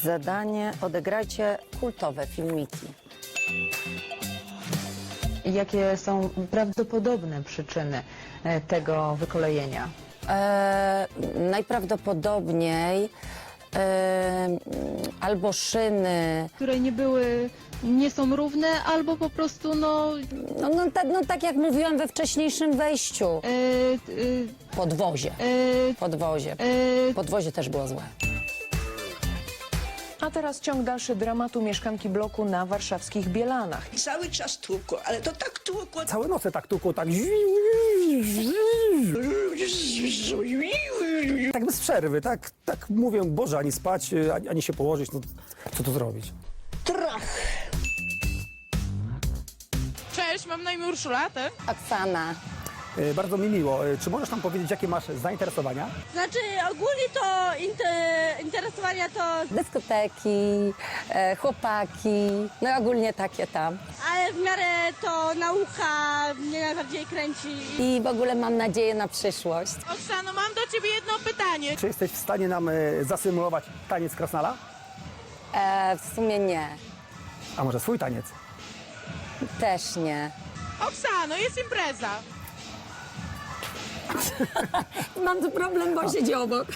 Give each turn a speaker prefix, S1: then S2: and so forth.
S1: Zadanie: odegrajcie kultowe filmiki.
S2: Jakie są prawdopodobne przyczyny tego wykolejenia?
S1: Najprawdopodobniej albo szyny,
S3: które nie są równe, albo po prostu
S1: tak jak mówiłam we wcześniejszym wejściu, podwozie. Podwozie też było złe.
S4: A teraz ciąg dalszy dramatu mieszkanki bloku na warszawskich Bielanach.
S5: Cały czas tłukło, ale to tak tłukło.
S6: Całe noce tak tłukło, tak... Tak bez przerwy, tak mówię, Boże, ani spać, ani się położyć, no co tu zrobić?
S5: Trach!
S7: Cześć, mam na imię Urszula, ty?
S1: Oksana.
S6: Bardzo mi miło. Czy możesz nam powiedzieć, jakie masz zainteresowania?
S8: Znaczy ogólnie to interesowania to,
S1: Dyskoteki, chłopaki, no i ogólnie takie tam.
S8: ale w miarę to nauka mnie najbardziej kręci.
S1: I w ogóle mam nadzieję na przyszłość.
S7: Oksano, mam do ciebie jedno pytanie.
S6: Czy jesteś w stanie nam zasymulować taniec krasnala?
S1: W sumie nie.
S6: A może swój taniec?
S1: Też nie.
S7: Oksano, jest impreza.
S1: Mam tu problem, bo siedzi obok.